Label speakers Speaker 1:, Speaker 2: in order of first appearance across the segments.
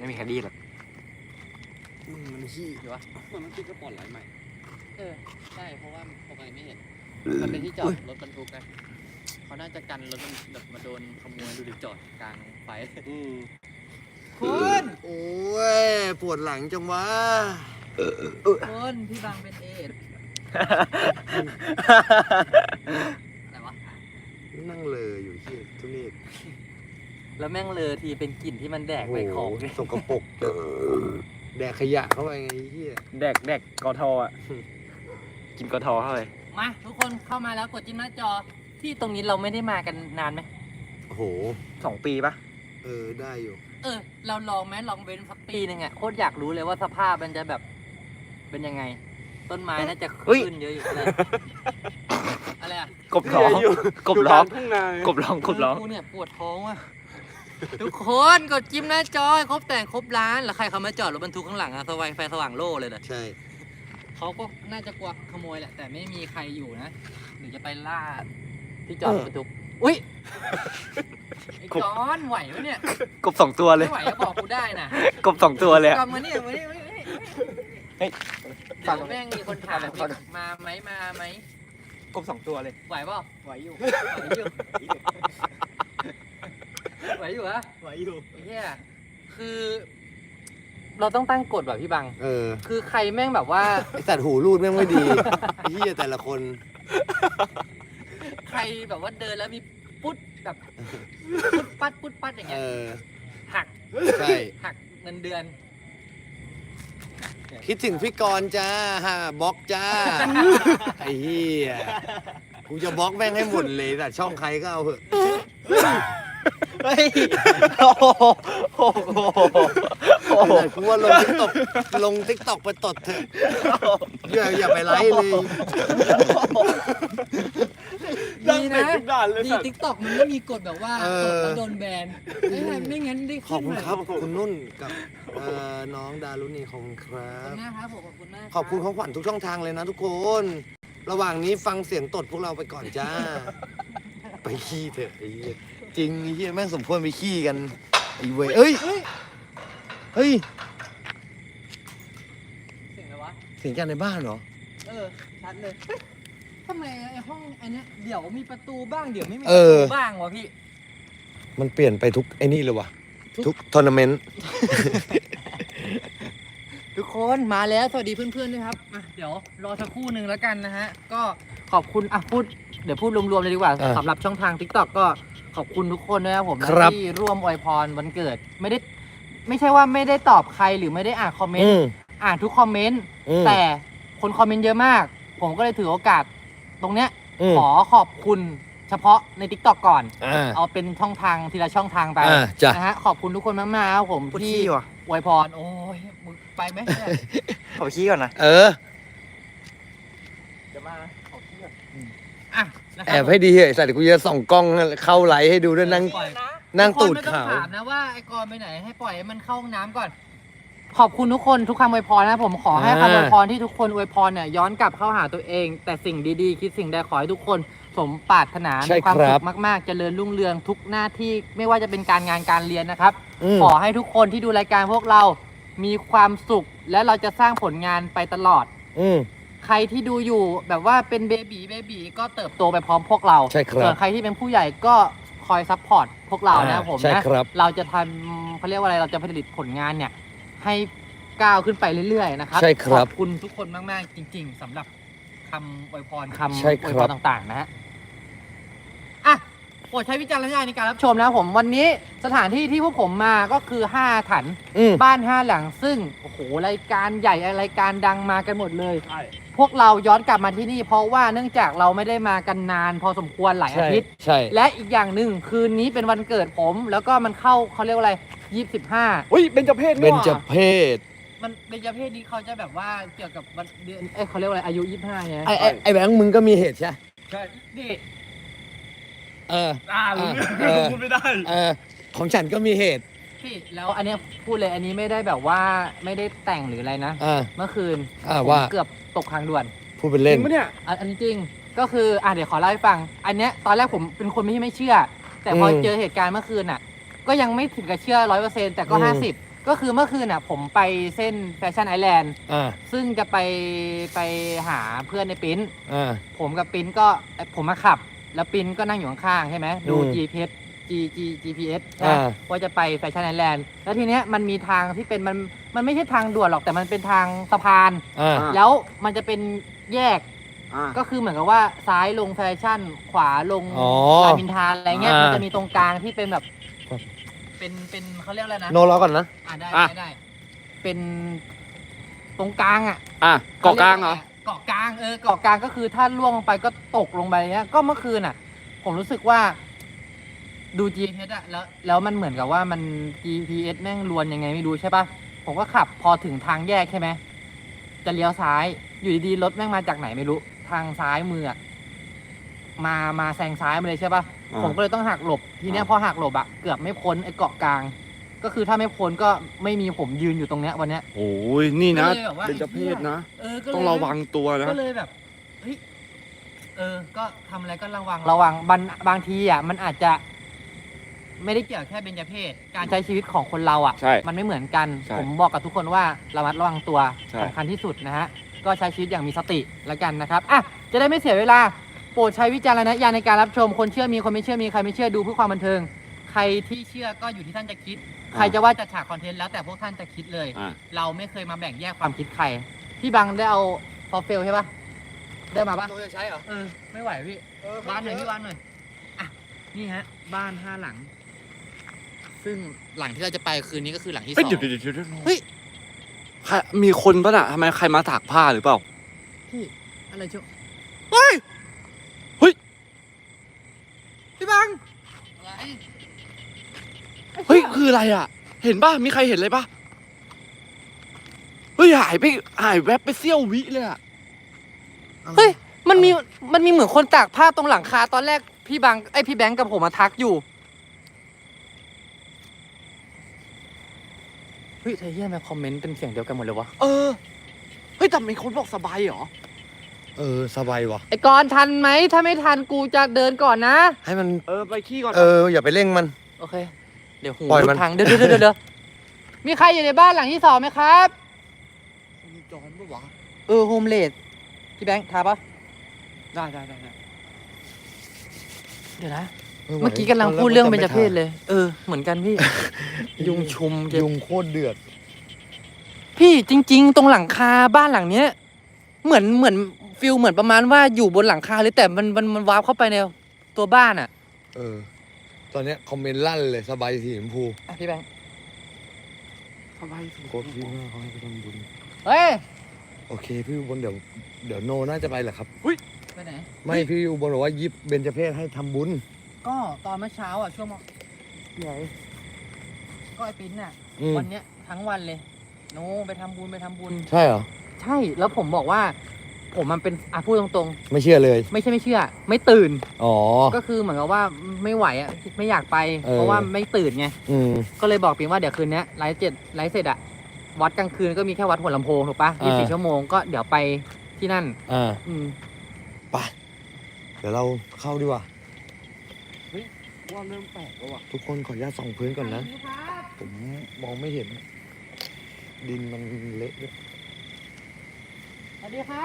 Speaker 1: ไม่มีใครดีหรอก
Speaker 2: มันขี้
Speaker 3: เดี๋ยววะมันคิดก็ปลอดไหลใหม่ใช่เพราะว่าปกติไม่เห็น มันเป็นที่จอดรถบรรทุกไงเขาน่าจะกันรถมันแบบมาโดนขโมยดูดิจอดกลางไฟคุณ
Speaker 2: โอ้ยปวดหลังจังวะ
Speaker 3: คุณพี่บางเป็นเอดอะไรวะ
Speaker 2: นั่งเลยอยู่ที่ทุนี่
Speaker 3: แล้วแม่งเลอทีเป็นกลิ่นที่มันแดกไปของ
Speaker 2: สกปรกแดกขยะเข้าไปไงเฮีย
Speaker 1: แดกกอทอ่ะ กินกอทอเข้าไป
Speaker 3: มาทุกคนเข้ามาแล้วกดจิ้มหน้าจอที่ตรงนี้เราไม่ได้มากันนานไหม
Speaker 2: โอ้โห
Speaker 1: 2 ปีปะ
Speaker 2: ได้อยู่
Speaker 3: เราลองไหมลองเว้นสักปีนึงอ่ะโคตรอยากรู้เลยว่าสภาพมันจะแบบเป็นยังไง ต้นไม้น่าจะขึ้นเยอะอยู่เลยอะไรอ่ะ
Speaker 1: กบร้องกบร้อง
Speaker 2: ทุ่งนาก
Speaker 1: บร้องกบร้อง
Speaker 3: กูเนี่ยปวดท้องว่ะทุกคนกดจิ้มหน้าจอให้ครบแต่งครบร้านแล้วใครเขามาจอดรถบรรทุกข้างหลังอะสว่างไฟสว่างโล่เลยนะ
Speaker 2: ใช่
Speaker 3: เขาก็น่าจะกลัวขโมยแหละแต่ไม่มีใครอยู่นะหรือจะไปล่าที่จอดรถบรรทุกอุ้ยไอ้จอนไหวไหมเนี่ย
Speaker 1: กบ2 ตัวเลย
Speaker 3: ไม่ไหวก็บอกกูได้นะ
Speaker 1: กบ2 ตัวเลยอะ
Speaker 3: กลับมาเนี่ยมาเนี่ย
Speaker 1: เฮ้ย
Speaker 3: เดี๋ยวแม่งมีคนถามมาไหม
Speaker 1: กบ2 ตัวเลย
Speaker 3: ไหวเปล่าไหวอยู่ไหวอยู่ฮะ
Speaker 1: ไหวอยู่
Speaker 3: ไอ้เหี้ยคือ เราต้องตั้งกฎแบบพี่บัง คือใครแม่งแบบว่า
Speaker 2: ไอสัตว์หูรูดแม่งไม่ดีไอ้เฮียแต่ละคน
Speaker 3: ใครแบบว่าเดินแล้วมีปุ๊ดแบบปุ๊ดปัดอย่างเงี้ยหัก
Speaker 2: ใช่
Speaker 3: หักเงินเดือน
Speaker 2: คิดถึงพี่กรณ์จ้าบล็อกจ้า ไอ้เฮียกูจะบล็อกแม่งให้หมดเลยแต่ช่องใครก็เอาเถอะ
Speaker 1: เฮ้ยโอ้โหโอ้โห
Speaker 2: แต่กูว่าลงทิกตอกไปตดเถอะอย่าไปไลฟ์เลย
Speaker 3: ดีนะดีทิกตอกมันไม่มีกฎแบบว่าตดแล้วโดนแบนไม่งั้นได้
Speaker 2: ขอบ
Speaker 3: ขึ้น
Speaker 2: คุณ
Speaker 3: มา
Speaker 2: ครับคุณนุ่นกับน้องดารุณีขอบคุณครั
Speaker 3: ขอบบ คุณมากครับผมขอบคุณมาก
Speaker 2: ขอบคุณของขวัญทุกช่องทางเลยนะทุกคน ระหว่างนี้ฟังเสียงตดพวกเราไปก่อนจ้า ไปขี้เถอะไอ้เหี้ยจริงไอ้เหี้ยแม่งสมควรไปขี้กันไอ้เว้ยเอ้ยเฮ้ย
Speaker 3: เสียงอะไรวะ
Speaker 2: เสียงกันในบ้านเหรอ
Speaker 3: ชัดเลยทำไมไอ้ห้องอันเนี้ยเดี๋ยวมีประตูบ้างเดี๋ยวไม่มีป
Speaker 2: เอ
Speaker 3: ระ
Speaker 2: อ
Speaker 3: ตูบ้างวะพี่
Speaker 2: มันเปลี่ยนไปทุกไอ้นี่เลยวะทุกทัวร์นาเมนต์
Speaker 3: ทุกคนมาแล้วสวัสดีเพื่อนๆด้วยครับเดี๋ยวรอสักครู่หนึ่งแล้วกันนะฮะก็ขอบคุณเดี๋ยวพูดรวมๆเลยดีกว่าสำหรับช่องทาง TikTok ก็ขอบคุณทุกคนนะครับผมที่ร่วมอวยพรวันเกิดไม่ใช่ว่าไม่ได้ตอบใครหรือไม่ได้อ่านคอมเมนต์อ่านทุกคอมเมนต์แต่คนคอมเมนต์เยอะมาก ผมก็เลยถือโอกาสตรงเนี้ยขอขอบคุณเฉพาะใน TikTok ก่อนเอาเป็นช่องทางทีละช่องทางไปนะฮะขอบคุณทุกคนมากๆครับผมที่อวยพรโอ้ยมึงไปไหมเนี่ย
Speaker 1: ขอขี้ก่อนนะ
Speaker 3: เดี๋ยวมาขอขี้ก่อน
Speaker 2: แอบให้ดีเหอะสัตว์กูจะส่องกล้องเข้าไลฟ์ให้ดูด้วยนั่งตูดขาว
Speaker 3: ถามนะว่าไอ้กรไปไหนให้ปล่อยให้มันเข้าห้องน้ำก่อน ขอบคุณทุกคนทุกคำอวยพรนะผมขอให้คำอวยพรที่ทุกคนอวยพรเนี่ยย้อนกลับเข้าหาตัวเอง แต่สิ่งดีๆคิดสิ่งใดขอให้ทุกคนสมปรารถนาในความสุขมากๆเจริญรุ่งเรืองทุกหน้าที่ไม่ว่าจะเป็นการงานการเรียนนะครับขอให้ทุกคนที่ดูรายการพวกเรามีความสุขและเราจะสร้างผลงานไปตลอดใครที่ดูอยู่แบบว่าเป็นเบบีก็เติบโตไปพร้อมพวกเราส่วนใครที่เป็นผู้ใหญ่ก็คอยซัพพอร์ตพวกเรานะผมนะเราจะทำเขาเรียกว่าอะไรเราจะผลิตผลงานเนี่ยให้ก้าวขึ้นไปเรื่อยๆนะครับขอบคุณทุกคนมากๆจริงๆสำหรับคำอวยพรคำอวยพรต่างๆนะฮะโปรดใช้วิจารณญาณในการรับชมนะผมวันนี้สถานที่ที่พวกผมมาก็คือ5ถันบ้าน5หลังซึ่งโอ้โหรายการใหญ่รายการดังมากันหมดเลยพวกเราย้อนกลับมาที่นี่เพราะว่าเนื่องจากเราไม่ได้มากันนานพอสมควรหลายอาทิตย์และอีกอย่างหนึ่งคืนนี้เป็นวันเกิดผมแล้วก็มันเข้าเขาเรียกว่าอะไร25
Speaker 1: อุ้ยเบญจเพศนี่
Speaker 2: เบญจเพศ
Speaker 3: มันเบญจเพศนี้เขาจะแบบว่าเกี่ยวกับวันเดือนเขาเรียกว่าอะไรอายุ25เนี่ย
Speaker 2: ไอ้แบงค์มึงก็มีเหตุใช่
Speaker 3: ใช่ดิ
Speaker 1: พูดไม่ได้
Speaker 2: ของฉันก็มีเหตุ
Speaker 3: พี่แล้วอันเนี้ยพูดเลยอันนี้ไม่ได้แบบว่าไม่ได้แต่งหรืออะไรนะเมื่อคืน
Speaker 2: ว่า
Speaker 3: เกือบตกทางด่วน
Speaker 2: พูดเป็นเล่น
Speaker 1: จริงปะเนี่ย
Speaker 3: อันนี้จริงก็คือเดี๋ยวขอเล่าให้ฟังอันเนี้ยตอนแรกผมเป็นคนไม่เชื่อแต่พอเจอเหตุการณ์เมื่อคืนก็ยังไม่ถึงกับเชื่อ100%แต่ก็50 ก็คือเมื่อคืนน่ะผมไปเส้นแฟชั่นไอแลนด์
Speaker 2: อ่า
Speaker 3: ซึ่งจะไปหาเพื่อนในปิ้น
Speaker 2: อ่า
Speaker 3: ผมกับปิ้นก็ผมมาขับ แล้วปิ้นก็นั่งอยู่ข้างๆใช่ไหมดู
Speaker 2: อืม
Speaker 3: GPS ใช่ไหม
Speaker 2: อ่า
Speaker 3: ว่าจะไปแฟชั่นไอแลนด์แล้วทีเนี้ยมันมีทางที่เป็นมันไม่ใช่ทางด่วนหรอกแต่มันเป็นทางสะพาน
Speaker 2: อ่า
Speaker 3: แล้วมันจะเป็นแยก
Speaker 1: อ่า
Speaker 3: ก็คือเหมือนกับว่าซ้ายลงแฟชั่น ขวาลง
Speaker 2: อ๋อ
Speaker 3: รามอินทราอะไรเงี้ย
Speaker 2: อ่ามั
Speaker 3: มันจะมีตรงกลางที่เป็นแบบ
Speaker 2: ครับ
Speaker 3: เป็นเขาเรียกอะไรนะ
Speaker 2: โนรอก่อนนะ
Speaker 3: ได้
Speaker 1: อ่ะ
Speaker 3: ได้เป็นตรงกลางอ่ะ
Speaker 1: อ่ะเกาะกลางเหรอ
Speaker 3: เกาะกลางเกาะกลางก็คือถ้าล่วงลงไปก็ตกลงไปเนี้ยก็เมื่อคืนอ่ะ ผมรู้สึกว่าดู GPS อะแล้วมันเหมือนกับว่ามัน GPS แม่งลวนยังไงไม่รู้ใช่ปะผมก็ขับพอถึงทางแยกใช่ไหมจะเลี้ยวซ้ายอยู่ดีๆรถแม่งมาจากไหนไม่รู้ ทางซ้ายมืออะมาแซงซ้ายมาเลยใช่ปะ
Speaker 1: อ่า
Speaker 3: ผมก็เลยต้องหักหลบทีเนี้ย
Speaker 1: อ่า
Speaker 3: พอหักหลบอะเกือบไม่พ้นไอ้เกาะกลาง ก็คือถ้าไม่พ้นก็ไม่มีผมยืนอยู่ตรงเนี้ยวันเนี้ย
Speaker 1: โอ้ยนี่นะ
Speaker 3: ก็เลยแบบว่า
Speaker 1: เป็นเจ้าเพศนะ
Speaker 3: ก็เลย
Speaker 1: ต้องระวังตัวนะ
Speaker 3: ก็เลยแบบเฮ้ยก็ทำอะไรก็ระวังบางทีอ่ะมันอาจจะ ไม่ได้เกี่ยวแค่เบญจเพศการใช้ชีวิตของคนเราอ่ะ
Speaker 1: ใช่
Speaker 3: มันไม่เหมือนกัน
Speaker 1: ใช่
Speaker 3: ผมบอกกับทุกคนว่าระมัดระวังตัว
Speaker 1: ใช่
Speaker 3: สำคัญที่สุดนะฮะก็ใช้ชีวิตอย่างมีสติแล้วกันนะครับอ่ะจะได้ไม่เสียเวลาโปรดใช้วิจารณญาณในการรับชมคนเชื่อมีคนไม่เชื่อมีใครไม่เชื่อดูเพื่อความบันเทิง ใครที่เชื่อก็อยู่ที่ท่านจะคิด ใครจะว่าจะฉากคอนเทนต์แล้วแต่พวกท่านจะคิดเลย
Speaker 1: อ่ะ
Speaker 3: เราไม่เคยมาแบ่งแยกความคิดใครพี่บังได้เอาฟอร์เฟลใช่ปะได้มาปะ
Speaker 2: โนจะใช้เหรอ
Speaker 3: ไม่ไหวพี่วานหน่อยพี่วานหน่อยอ่ะนี่ฮะบ้าน5 หลัง ซึ่งหลังที่เราจะไปคืนนี้ก็คือหลังที่
Speaker 1: เฮ้ย
Speaker 3: 2
Speaker 1: เดี๋ยวเฮ้ยใครมีคนปะน่ะทำไมใครมาตากผ้าหรือเปล่า
Speaker 3: พี่อะไรเชียว
Speaker 1: เฮ้ย เฮ้ย
Speaker 3: พี่บังอะไร
Speaker 1: เฮ้ย คืออะไรอ่ะ เห็นป่ะ มีใครเห็นเลยป่ะ เฮ้ย หายแวบไปเสี้ยววิเลยอ่ะ
Speaker 3: เฮ้ยมันมีเหมือนคนตากผ้าตรงหลังคาตอนแรกพี่บังพี่แบงค์กับผมมาทักอยู่เฮ้ยเธอเฮียมาคอมเมนต์เป็นเสียงเดียวกันหมดเลยวะ
Speaker 1: เออ เฮ้ยแต่มีคนบอกสบายเหรอ
Speaker 2: สบายว่ะ
Speaker 3: ไอ้กรณ์ทันไหมถ้าไม่ทันกูจะเดินก่อนนะ
Speaker 2: ให้มัน
Speaker 1: ไปขี้ก่อน
Speaker 2: อย่าไปเร่งมัน
Speaker 3: โอเค เดี๋ยวหู
Speaker 2: ปล่อยมัน
Speaker 3: ทางเดี๋ยวมีใครอยู่ในบ้านหลังที่2ไหมครับ
Speaker 1: มีจอนปะวะ
Speaker 3: โฮมเลดพี่แบงค์ทาปะ
Speaker 1: ได้
Speaker 3: เดี๋ยวนะ เมื่อกี้กำลังพูดเรื่องเบญจเพศเลย เหมือนกันพี่ ยุงชุมเจ็บ
Speaker 2: ยุงโคตรเดือด
Speaker 3: พี่จริง ๆ ตรงหลังคาบ้านหลังเนี้ย เหมือนฟิลเหมือนประมาณว่าอยู่บนหลังคาเลยแต่มันวาร์ปเข้าไปในตัวบ้านอ่ะ
Speaker 2: ตอนเนี้ยคอมเมนต์ลั่นเลยสบายสีชมพู
Speaker 3: อ่ะพี่แบงค์
Speaker 1: สบายสิ
Speaker 2: โคตรดีมากเขาให้ไปทำบุญ
Speaker 3: เฮ้ย
Speaker 2: โอเคพี่อุบลเดี๋ยวโนน่าจะไปแหละครับ
Speaker 3: ไปไหน
Speaker 2: ไม่พี่อุบลบอกว่ายิบเบญจเพศให้ทำบุญ
Speaker 3: ก็ตอนเมื่อเช้าอ่ะช่วงไหนก็ไอ้ปิ้นอ่ะ
Speaker 2: อืม
Speaker 3: วันเนี้ยทั้งวันเลยโน้ไปทำบุญ
Speaker 2: ใช่เหรอ
Speaker 3: ใช่แล้วผมบอกว่า ผมมันเป็นพูดตรง
Speaker 2: ไม่เชื่อเลย
Speaker 3: ๆไม่เชื่อ ไม่ตื่น
Speaker 2: อ๋อ
Speaker 3: ก็คือเหมือนกับว่าไม่ไหวอ่ะไม่อยากไป
Speaker 2: เออ
Speaker 3: เพราะว่าไม่ตื่นไง
Speaker 2: อืม
Speaker 3: ก็เลยบอกปิงว่าเดี๋ยวคืนนี้ไลฟ์เสร็จอะวัดกลางคืนก็มีแค่วัดหัวลำโพงถูกปะ
Speaker 2: อ่า
Speaker 3: 24 ชั่วโมงก็เดี๋ยวไปที่นั่น อืม
Speaker 2: ไปเดี๋ยวเราเข้าดีกว่า
Speaker 1: ว่าเริ่มแปลกแล้วว่ะ
Speaker 2: ทุกคนขออนุญาตส่องพื้นก่อนนะ ผมมองไม่เห็น ดินมันเละด้วย
Speaker 3: สวัสดีครับ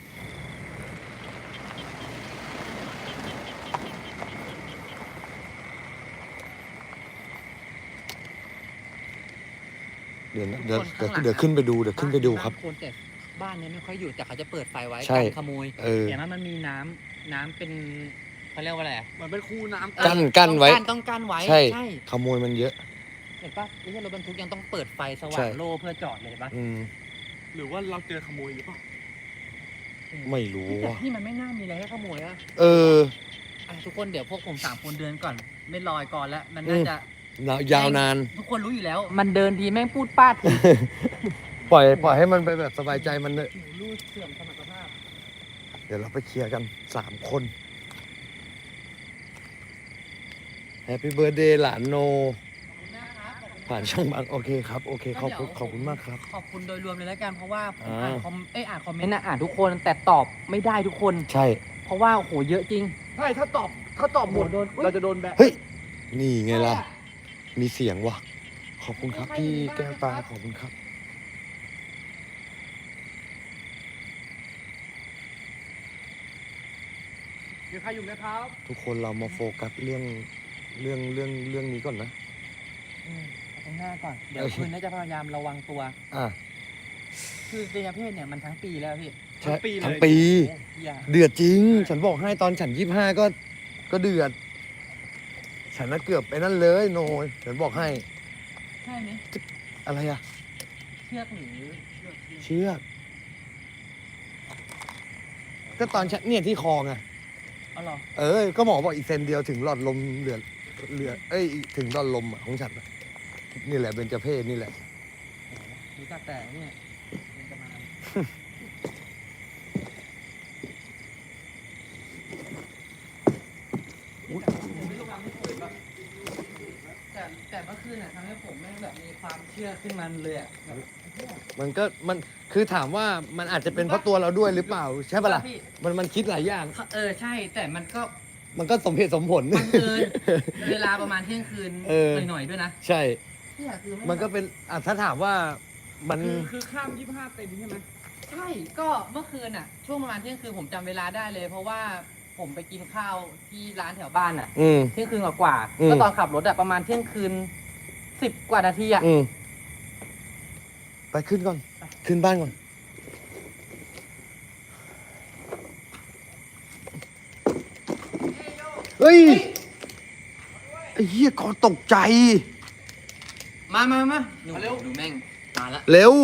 Speaker 2: เดี๋ยวขึ้นไปดูครับ
Speaker 3: คนแต่บ้านเนี้ยไม่ค่อยอยู่แต่เขาจะเปิดไฟไว้
Speaker 2: ใช่
Speaker 3: กันขโมย เห็นไหมมันมีน้ำเป็นเขาเรียกว่าอะไรอะ
Speaker 1: เหมือนเป็นคูน้ำ
Speaker 2: กั้นไว้
Speaker 3: ต้องกั้นไว้
Speaker 2: ใช่ ขโมยมันเยอะ
Speaker 3: เห็นปะไม่ใช่รถบรรทุกยังต้องเปิดไฟส
Speaker 2: ใช่
Speaker 3: ว่างโล่เพื่อจอดเลยเห็นปะ
Speaker 2: อืม
Speaker 1: หรือว่าเราเจอขโมยหรือเปล่า
Speaker 2: ไม่รู้
Speaker 3: แต่
Speaker 2: ว่ะ
Speaker 3: ที่มันไม่น่ามีอะไรให้ขโมยอะ ทุกคนเดี๋ยวพวกผม3 คนเดินก่อน ไม่ลอยก่อนแล้วมันน่าจะ
Speaker 2: ยาวนาน
Speaker 3: ทุกคนรู้อยู่แล้ว มันเดินทีแม่งพูดป้าดที
Speaker 2: ปล่อยให้มันไปแบบสบายใจมันเลย
Speaker 3: หูรูดเสื่อมสมรรถภาพ
Speaker 2: เดี๋ยวเราไปเคลียร์กัน3 คนแฮปปี้เบิร์ดเดย์หลานโน ผ่านช่องบางโอเคครับ โอเคขอบคุณมากครับ
Speaker 3: ขอบคุณโดยรวมเลยแล้วกันเพราะว่าผม
Speaker 2: อ่า
Speaker 3: อ่านคอมเมนต์อ่านทุกคนแต่ตอบไม่ได้ทุกคน
Speaker 2: ใช่
Speaker 3: เพราะว่าโหเยอะจริง
Speaker 1: ใช่ ถ้าตอบหมด
Speaker 3: โดน
Speaker 1: เราจะโดนแบน
Speaker 2: เฮ้ย นี่ไงล่ะ มีเสียงว่ะขอบคุณครับพี่แก้วตาขอบคุณครับ
Speaker 3: มีใครอยู่ไหมครับ
Speaker 2: ทุกคนเรามาโฟกัสเรื่องนี้ก่อนนะ
Speaker 3: เอาตรงหน้าก่อน เดี๋ยวคืนนี้จะพยายามระวังตัว
Speaker 2: อ่ะ
Speaker 3: คือเบญจเพศเนี่ยมันทั้งปีแล้วพี่
Speaker 2: ใช่
Speaker 1: ปีเลย
Speaker 2: ทั้งปี
Speaker 3: อย่า
Speaker 2: เดือดจริง ฉันบอกให้ตอนฉัน25ก็เดือด ฉันน่ะเกือบไปนั่นเลยโนยฉันบอกให้
Speaker 3: ใช่ไหม
Speaker 2: อะไรอะ
Speaker 3: เชือกหรือ
Speaker 2: เชือกก็ตอนฉันเนี่ยที่คอไง
Speaker 3: เอาหรอ
Speaker 2: ก็หมอบอกอีกเซนเดียวถึงหลอดลมเหลือถึงหลอดลมอะของฉันอะนี่แหละเบญจเพศนี่แหละ
Speaker 3: รู้จักแต่เนี่ยเป็นประมาณแต่เมื่อคืนน่ะทำให้ผมแม่งแบบมีความเชื่อขึ้นมาเลยอ่ะแบบ
Speaker 2: มันคือถามว่ามันอาจจะเป็นเพราะตัวเราด้วยหรือเปล่า ใช่ปะล่ะ
Speaker 3: พี่
Speaker 2: มันคิดหลายอย่าง
Speaker 3: ใช่แต่มันก็
Speaker 2: มันก็สมเหตุสมผล
Speaker 3: บังเอิญเวลาประมาณเที่ยงคืน หน่อยๆด้วยนะ
Speaker 2: ใช่
Speaker 3: เนี่ยคือ
Speaker 2: มันก็เป็นถ้าถามว่ามัน
Speaker 1: คือข้าม25เต็มใช่ไหม
Speaker 3: ใช่ก็เมื่อคืนอ่ะ ช่วงประมาณเที่ยงคืนผมจำเวลาได้เลย เพราะว่าผมไปกินข้าวที่ร้านแถวบ้านอ่ะ
Speaker 2: อืม
Speaker 3: เที่ยงคืนกว่า
Speaker 2: อืม
Speaker 3: ก็ตอนขับรถอะประมาณเที่ยงคืน10 กว่านาทีอะ
Speaker 2: ไปขึ้นก่อน ขึ้นบ้านก่อน เฮ้ย ไอ้เหี้ยก่อนตกใจ
Speaker 3: มาดูแม่งมาละ
Speaker 2: เร็ว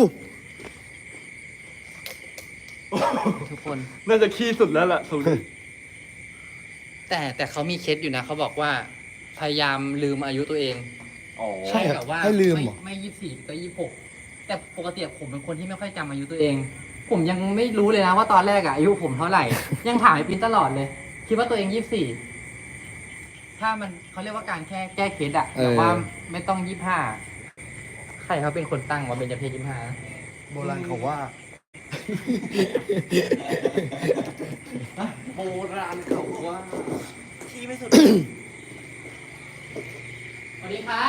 Speaker 3: ทุกคน
Speaker 1: น่าจะขี้สุดแล้วล่ะสุด
Speaker 3: แต่เขามีเคสอยู่นะเขาบอกว่า พยายามลืมอายุตัวเอง
Speaker 1: อ๋อ
Speaker 2: ใช่เหรอ
Speaker 3: แบบว่า
Speaker 2: ให้ลืมเหรอ
Speaker 3: ไม่24ก็26แต่ปกติผมเป็นคนที่ไม่ค่อยจำอายุตัวเอง ผมยังไม่รู้เลยนะว่าตอนแรกอะอายุผมเท่าไหร่ ยังถามไอ้ปินตลอดเลย คิดว่าตัวเอง24ถ้ามันเขาเรียกว่าการแค่แก้เคสอะแต่ว่าไม่ต้อง25ใครเขาเป็นคนตั้งว่าเป็นเจเพศ25
Speaker 2: โบราณเขาว่า
Speaker 1: โบราณเขาว่าขี้ไม่สุด
Speaker 3: สวัสดีครับ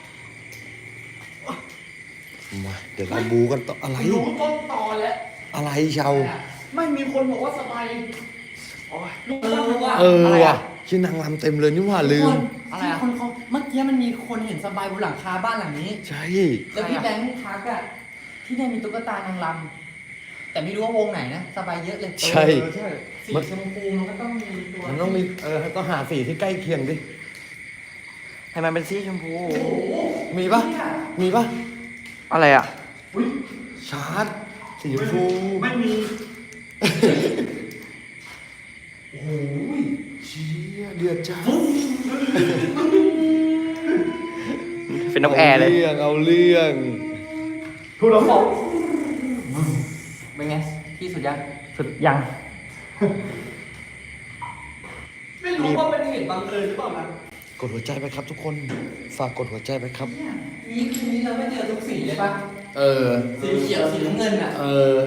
Speaker 2: มา เดี๋ยวเราบูกันต่ออะไร
Speaker 3: รู้ต้นตอแล้ว
Speaker 2: อะไรชาว
Speaker 1: ไม่มีคนบอกว่าสบายโอ้ย
Speaker 3: ว่ะ
Speaker 2: ว่ะชื่อนางรำเต็มเลยนี่ว่าลืม
Speaker 3: อะไรอะคนเขาเมื่อกี้มันมีคนเห็นสบายบนหลังคาบ้านหลังนี้
Speaker 2: ใช่
Speaker 3: แล้วพี่แบงค์ทักอะที่เนี่ยมีตุ๊กตานางรำแต่ไม่รู้ว่าวงไหนนะสบายเยอะเลย
Speaker 2: ใช่
Speaker 1: ใช่
Speaker 3: สีชมพูมันก็ต้องมีตัว
Speaker 2: มันต้องมีต้องหาสีที่ใกล้เคียงดิ
Speaker 1: ให้มันเป็นสีชมพู
Speaker 2: มีปะมีปะ
Speaker 1: อะไรอ่ะ
Speaker 2: ชาร์จสีชมพู
Speaker 1: ไม่มี
Speaker 2: โอ้ยเชี่ยเดือดจ้า
Speaker 1: เป็นนกแอร์เลย
Speaker 2: เอาเรื่อง
Speaker 1: ทุกเราบอก
Speaker 3: เป็นไงพี่สุดยัง
Speaker 1: สุดยัง
Speaker 3: ไม่รู้ว่าเป็นเหตุบังเอิญหรือเปล่านะ
Speaker 2: กดหัวใจไปครับทุกคน ฝากกดหัวใจไปครับ
Speaker 3: นี่คืนนี้เราไม่เจอทุกสีเลยปะ
Speaker 2: เออ
Speaker 3: สีเขียวสีน้ำเงินอะ
Speaker 2: เออ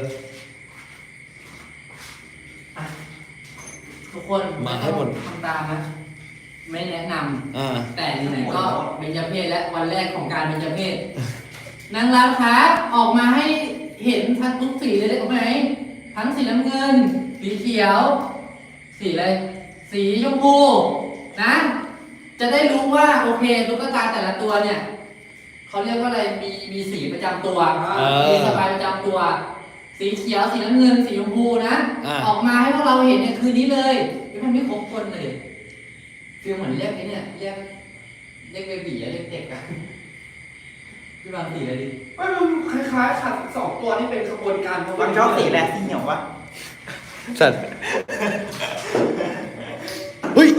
Speaker 3: ทุกคน
Speaker 2: มาให้หมด
Speaker 3: ทำตามนะ ไม่แนะนำ
Speaker 2: อ่า
Speaker 3: แต่ไหนๆก็เบญจเพศและวันแรกของการเบญจเพศนางรำครับออกมาให้เห็นทั้งทุกสีเลยได้ไหมทั้งสีน้ำเงิน สีเขียว สีอะไรสีชมพูนะ จะได้รู้ว่าโอเคตุ๊กตาแต่ละตัวเนี่ยเขาเรียกว่าอะไรมีสีประจำตัวมีสบายประจำตัว สีเขียวสีน้ำเงินสีชมพูนะออกมาให้พวกเราเห็นเนี่ยคืนนี้เลยมันไม่ครบคนเลยฟีลเหมือนเรียกไอ้เนี่ยเรียกเบบีอะเรียกเด็กอะพี่บางสีอะไรดิ
Speaker 1: ไม่มันคล้ายๆขัดสองตัวนี่เป็นขบวนการมันชอบสีแหละสีเหี่ยววะ
Speaker 2: สัตว์เฮ้ย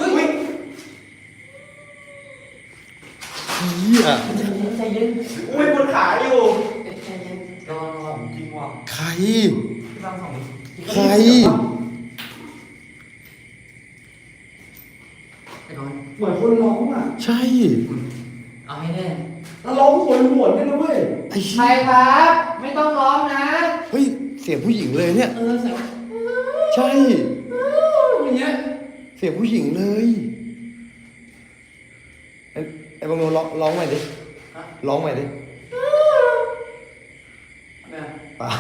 Speaker 2: เหี้ย
Speaker 3: ใจเย็น
Speaker 1: อุ้ยบนขาอยู่
Speaker 3: ใจเย็นรอ
Speaker 1: จริงว่ะ
Speaker 2: ใคร
Speaker 3: พี่บางสอง
Speaker 2: ใคร
Speaker 3: ไปนอน
Speaker 1: เหมือนคนร้องอ่ะ
Speaker 2: ใช่
Speaker 3: เอาให้แน่
Speaker 1: แล้วร้องโหยหวนด้วยนะเว้ย
Speaker 2: ไอ้
Speaker 3: ใคร
Speaker 2: เหี้ย
Speaker 3: ครับ ไม่ต้องร้องนะ
Speaker 2: เฮ้ย เสียงผู้หญิงเลยเนี่ย
Speaker 3: เสียง
Speaker 2: ใช่
Speaker 3: อย่างเงี้ย
Speaker 2: เสียงผู้หญิงเลย ไอ้บางโนร้องใหม่ดิ
Speaker 3: ร
Speaker 2: ร้องใหม่ดิ
Speaker 3: เนี่ย
Speaker 2: เปล่า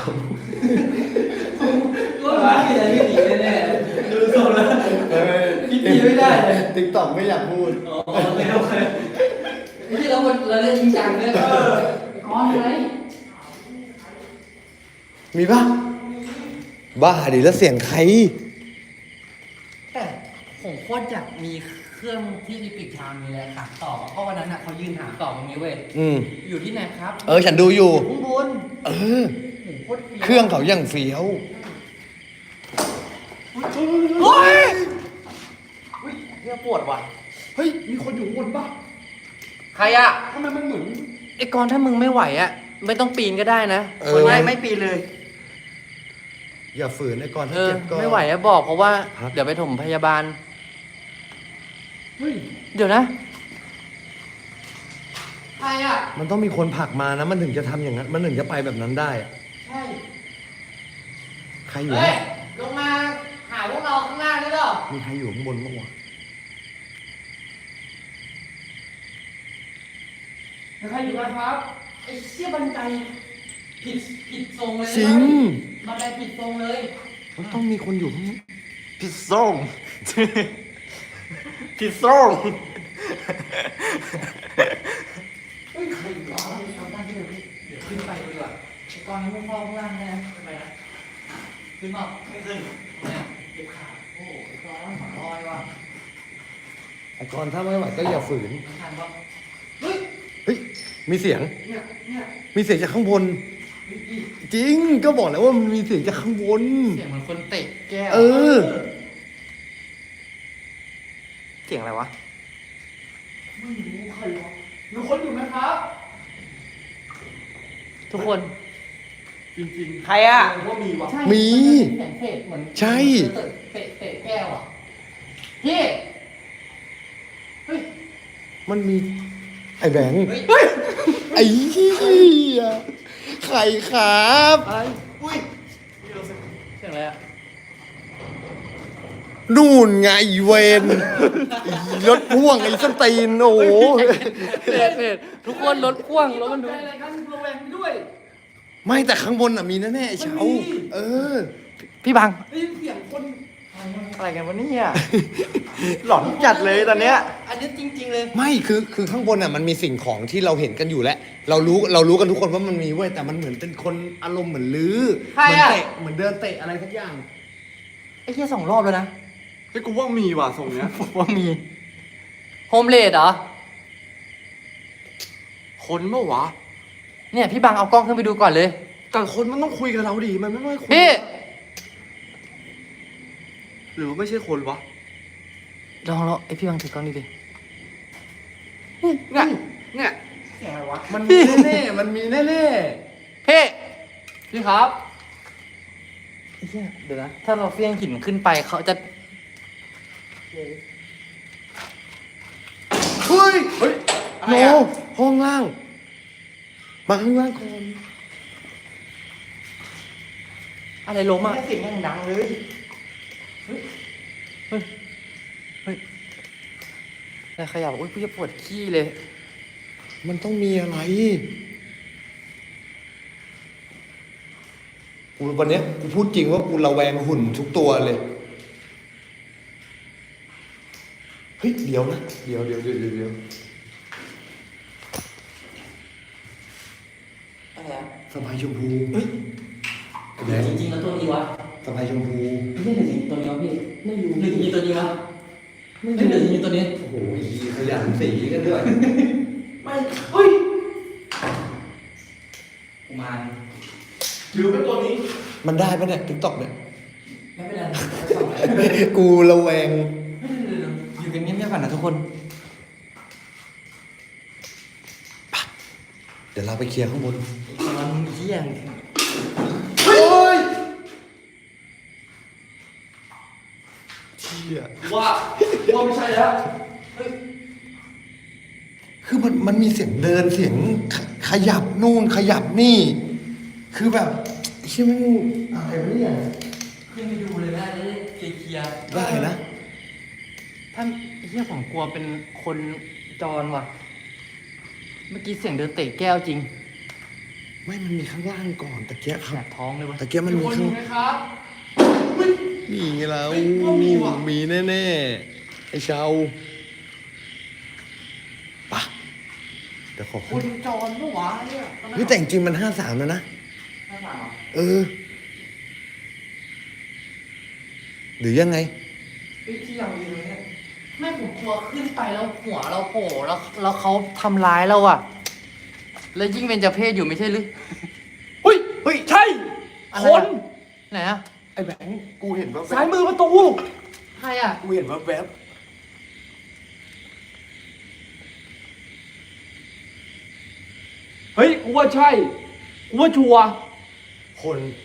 Speaker 3: ก็ร้ายอะไรไม่ดีแน่ๆดูทรงแล้วคิดดีไม่ได้เลย
Speaker 2: ติ๊กต็อกไม่อยากพูด
Speaker 3: โอเคโอเคนี่เราเล่นจริงจังเนี่ยก้อนไหม
Speaker 2: มีปะบ้าดิแล้วเสียงใคร
Speaker 3: แต่ผมโคตรอยากมีเครื่องที่อีพิกชามนี่แหละถามต่อเพราะวันนั้นน่ะเขายืนถามต่อตรงนี้เว้ย อยู่ที่ไหนครับ
Speaker 2: ฉันดูอยู่
Speaker 3: ข้างบน
Speaker 2: เออ
Speaker 3: ผมโคตรเฟี้ยว
Speaker 2: เครื่องเขาอย่างเฟี้ยว
Speaker 3: เฮ้ยเนี่ยปวดว่ะ
Speaker 1: เฮ้ยมีคนอยู่ข้างบนปะ
Speaker 3: ใครอ่ะ
Speaker 1: ทำไมมันเหมือน
Speaker 3: ไอ้กรณ์ถ้ามึงไม่ไหวอ่ะไม่ต้องปีนก็ได้นะ
Speaker 1: ไม่ปีเลย
Speaker 2: อย่าฝืนไอ้ก่อน
Speaker 3: เอ
Speaker 2: ถ้า
Speaker 3: อ
Speaker 2: เจ็บก็
Speaker 3: ไม่ไหวอะบอกเพราะว่า
Speaker 2: พัก
Speaker 3: เดี๋ยวไปถมพยาบาล
Speaker 1: เฮ้ย
Speaker 3: เดี๋ยวนะ ใครอ่ะ
Speaker 2: มันต้องมีคนผลักมานะ มันถึงจะทำอย่างนั้น มันถึงจะไปแบบนั้นได้อะ
Speaker 3: ใช่
Speaker 2: ใครอยู่
Speaker 3: เฮ้ย
Speaker 2: นะ
Speaker 3: ลงมาหาพวกเราข้างล่างได้หรอ
Speaker 2: มีใครอยู่ข้างบนบ้างวะ
Speaker 3: ใครอยู่กันครับไอ้เชี่ยบันไดผิดทรงเลยนะ
Speaker 2: จริง
Speaker 3: บันไดผิดทรงเลย
Speaker 2: มันต้องมีคนอยู่ข้างนี้
Speaker 1: ผิดส่งผิดส่ง
Speaker 3: เฮ้ยใครอยู่วะทำบ้านที่เดี๋ยวขึ้นไปดีกว่าไอ้กรณ์ไม่เข้าข้างล่างนะขึ้นไปนะขึ้นมาไม่ขึ้นเนี่ยเก็บขาโอ้โหไอ้กรณ์หัวลอยว่ะ
Speaker 2: ไอ้ก่อนถ้าไม่ไหวก็อย่าฝืน
Speaker 3: ไม่ทันปะเฮ้ย
Speaker 2: เฮ้ย มีเสียง
Speaker 3: เนี่ย
Speaker 2: มีเสียงจากข้างบน จริง ก็บอกแล้วว่ามันมีเสียงจากข้างบน
Speaker 3: เสียงเหมือนคนเตะแก้ว
Speaker 2: เออ
Speaker 1: เสียงอะไรวะ
Speaker 3: ไม่รู้ใครวะมีคนอยู่ไหมครับ ทุกคน
Speaker 1: จริงๆใครอ่ะว่ามีวะ
Speaker 3: ใช่
Speaker 2: มี
Speaker 3: เสียงเตะเหมือน
Speaker 2: ใช่
Speaker 3: เตะแก้วอ่ะพี่เฮ้ย
Speaker 2: มันมี ไอ้แบงค์
Speaker 3: เฮ้ย
Speaker 2: ไอ้เหี้ยใครครับ
Speaker 1: อะไรอุ้ย
Speaker 3: เสียงอะไรอ่ะ
Speaker 2: นู่นไงเวนไอ้รถพ่วงไอ้สนตีนโอ้โห
Speaker 3: เพจทุกคนรถพ่วงรถมันดู
Speaker 1: อะไรกันระแวงไปด้วย
Speaker 2: ไม่แต่ข้างบนอ่ะมีแน่ๆไอ้เช้า
Speaker 1: มันมี
Speaker 2: เออ
Speaker 3: พี่บัง
Speaker 1: ได้ยินเสียงคนอะไรกันวะเนี่ยหลอนจัดเลยตอนเนี้ย
Speaker 3: อันนี้จริง ๆ เลย
Speaker 2: ไม่คือข้างบนอ่ะมันมีสิ่งของที่เราเห็นกันอยู่แล้วเรารู้กันทุกคนว่ามันมีเว้ยแต่มันเหมือนเป็นคนอารมณ์เหมือนลื้อ
Speaker 3: ใคร
Speaker 2: เหมืน
Speaker 3: อะ
Speaker 2: เตะเหมือนเดินเตะอะไรสักอย่าง
Speaker 3: ไอ้เหี้ย2 รอบแล้วนะ
Speaker 1: เฮ้ยกูว่ามีว่ะทรงเนี้ย
Speaker 3: ผมว่ามีโฮมเลดเหรอ
Speaker 1: คนเมื่อวะ
Speaker 3: เนี่ยพี่บังเอากล้องขึ้นไปดูก่อนเลย
Speaker 1: แต่คนมันต้องคุยกับเราดิมันไม่ได้คุย
Speaker 3: พี่
Speaker 1: หรือไม่ใช่คนวะ
Speaker 3: ลองไอพี่บังถือกล้องดิ
Speaker 1: เนี่ยเนี่ยเสียงอะไรวะ
Speaker 2: มันมีแน่ๆมันมีแน่
Speaker 3: พี่ครับไอ้เหี้ยเดี๋ยวนะ ถ้าเราเฟี้ยงหินขึ้นไปเขาจะ
Speaker 2: ๆเฮ้ยโนห้องล่าง มาข้างล่างก่อน
Speaker 3: อะไรล้มอ่ะ
Speaker 1: เสียงยังดังเลย
Speaker 3: อะไรขยับอุ้ยกูจะปวดขี้เลย
Speaker 2: มันต้องมีอะไรกูวันเนี้ยกูพูดจริงว่ากูระแวงหุ่นทุกตัวเลย เฮ้ย เดี๋ยวนะ เดี๋ยว
Speaker 3: อะไรอ่ะ
Speaker 2: สบายชมพูเฮ้ยแดง
Speaker 3: จริงๆแล้วตัวนี้วะ
Speaker 2: สบายชมพู
Speaker 3: ไม่ใช่หรือจริงตัวนี้วะพี่ไม่รู้หรือจริงตัวนี้วะไม่หรือจริงตัวนี้
Speaker 2: โอ้โหขยันสีกันด้วย
Speaker 3: ไม่เฮ้ยกูมา
Speaker 1: หรือเป็นตัวนี้
Speaker 2: มันได้ปะเนี่ยติ๊กต็อกเนี่ย
Speaker 3: ไม่เป็นไร
Speaker 2: กูระแวง
Speaker 3: อยู่กันเงียบๆก่อนนะทุกคน
Speaker 2: เดี๋ยวเราไปเคลียร์ข้างบน
Speaker 3: ตอนมึงเที่ยง
Speaker 2: เฮ้ยเชี่ย
Speaker 1: ว่าไม่ใช่แล้ว
Speaker 2: คือมันมีเสียงเดินเสียงขยับนู่นขยับนี่ คือแบบเชี่ยแม่งอะไรวะเนี่ย
Speaker 3: ขึ้นไปดูเลยนะจะได้เคลียร์
Speaker 2: ได้นะ
Speaker 3: ท่านเฮียผมกลัวเป็นคนจรว่ะเมื่อกี้เสียงเดินเตะแก้วจริง
Speaker 2: ไม่มันมีข้างล่างก่อนตะเกียบค
Speaker 3: แส
Speaker 2: รับบ
Speaker 3: ท้องเลยวะ
Speaker 2: ตะเกียบมันมีข้าง
Speaker 3: ไหมครับ
Speaker 2: มีแล้ว
Speaker 3: เฮ้ยมีว่ะ
Speaker 2: มีแน่ๆไอ้เชาปะเดี๋ยวขอ
Speaker 3: คุ
Speaker 2: ขึ้น
Speaker 3: ณจรปะวะเนี่ย
Speaker 2: เฮ้ยแต่จริงๆมัน53แล้วนะ
Speaker 3: ข้างหลังเหรอ
Speaker 2: เออ หรือยังไง
Speaker 3: เฮ้ยที่เราอยู่เนี่ยไม่ผมกลัวขึ้นไปแล้วหัวเราโผล่แล้วเขาทำร้ายเราอะแล้วยิ่งเป็นเจ้าเพศอยู่ไม่ใช่หรือ
Speaker 1: เฮ้ย เฮ้ย ใช่
Speaker 3: อะไร
Speaker 1: ค
Speaker 3: อะ
Speaker 1: น
Speaker 3: ไหนอะ
Speaker 2: ไอ้แบงค์กูเห็นว่า
Speaker 1: ซ้ายมือประตู
Speaker 3: ใครอะ
Speaker 2: กูเห็นว่าแวบ
Speaker 1: เฮ้ย กูว่าใช่ กูว่าชัวร์
Speaker 2: คน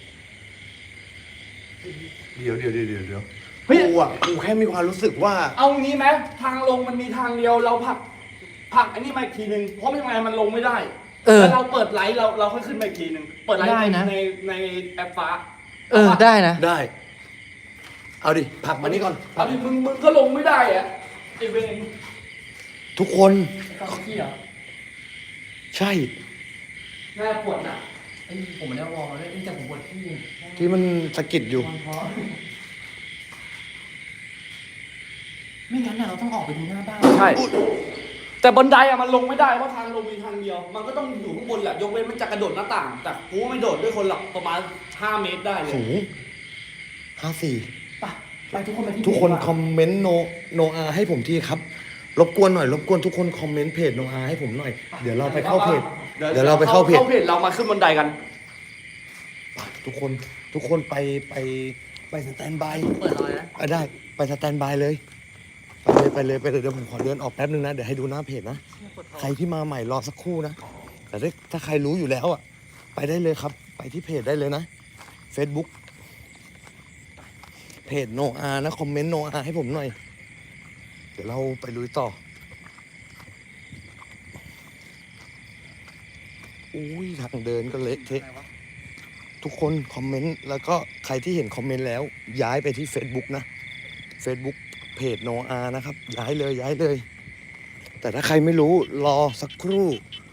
Speaker 2: เดี๋ยว
Speaker 1: เฮ้ย
Speaker 2: กูแค่มีความรู้สึกว่า
Speaker 1: เอางี้ไหมทางลงมันมีทางเดียวเราผลักอันนี้มาอีกทีนึงเพราะไม่งั้นมันลงไม่ได้ แล้วเราเปิดไลท์เราค่อยขึ้นมาอีกทีนึงเปิดไลท์ในแอปฟ้า
Speaker 3: ได้นะ
Speaker 2: ได้ เอาดิผลักมานี่ก่อน
Speaker 1: เอาดิมึงก็ลงไม่ได้อะไอเวน
Speaker 2: ทุกคน
Speaker 3: เขาขี้เหรอ
Speaker 2: ใช่
Speaker 3: หน้าปวดอ่ะไอ้ผมไม่ได้วอร์มเลยแต่ผมปวดขี้
Speaker 2: ที่มันสะกิดอยู่
Speaker 3: ไม่งั้นน่ะเราต้องออกไปดูหน้าบ้าน
Speaker 1: ใช่แต่บันไดอะมันลงไม่ได้เพราะทางลงมีทางเดียว มันก็ต้องอยู่ข้างบนแหละยกเว้นมันจะกระโดดหน้าต่าง แต่กูไม่โดดด้วยคนหรอกประมาณ5 เมตรได้เลย
Speaker 2: สูง54
Speaker 3: ไปทุกคนไปที่
Speaker 2: ทุกคน
Speaker 3: เพจ
Speaker 2: คอมเมนต์โนอาให้ผมทีครับ รบกวนหน่อยรบกวนทุกคนคอมเมนต์เพจโนอาให้ผมหน่อย เดี๋ยวเราไปเข้าเพจ เดี๋ยวเราไปเข้าเพจ
Speaker 1: เรามาขึ้นบันไดกัน
Speaker 2: ทุกคนไปสแตนบาย
Speaker 3: เปิดรอยนะ
Speaker 2: ได้ไปสแตนบายเลย ไปเลยเดี๋ยวผมขอเดินออกแป๊บนึงนะ เดี๋ยวให้ดูหน้าเพจนะ ใครที่มาใหม่รอสักครู่นะ แต่ถ้าใครรู้อยู่แล้วอ่ะ ไปได้เลยครับ ไปที่เพจได้เลยนะ Facebook เพจโนอานะ คอมเมนต์โนอาให้ผมหน่อย เดี๋ยวเราไปลุยต่อ อุ้ยทางเดินก็เละเทะ ทุกคนคอมเมนต์แล้วก็ใครที่เห็นคอมเมนต์แล้ว ย้ายไปที่ Facebook นะ Facebook เพจโนอานะครับ ย้ายเลย แต่ถ้าใครไม่รู้รอสักครู่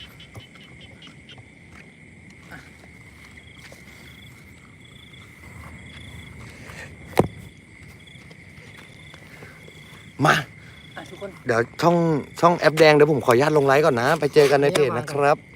Speaker 2: มา
Speaker 3: ทุกคน
Speaker 2: เดี๋ยวช่องแอปแดงเดี๋ยวผมขออนุญาตลงไลฟ์ก่อนนะ ไปเจอกันในเพจนะครับ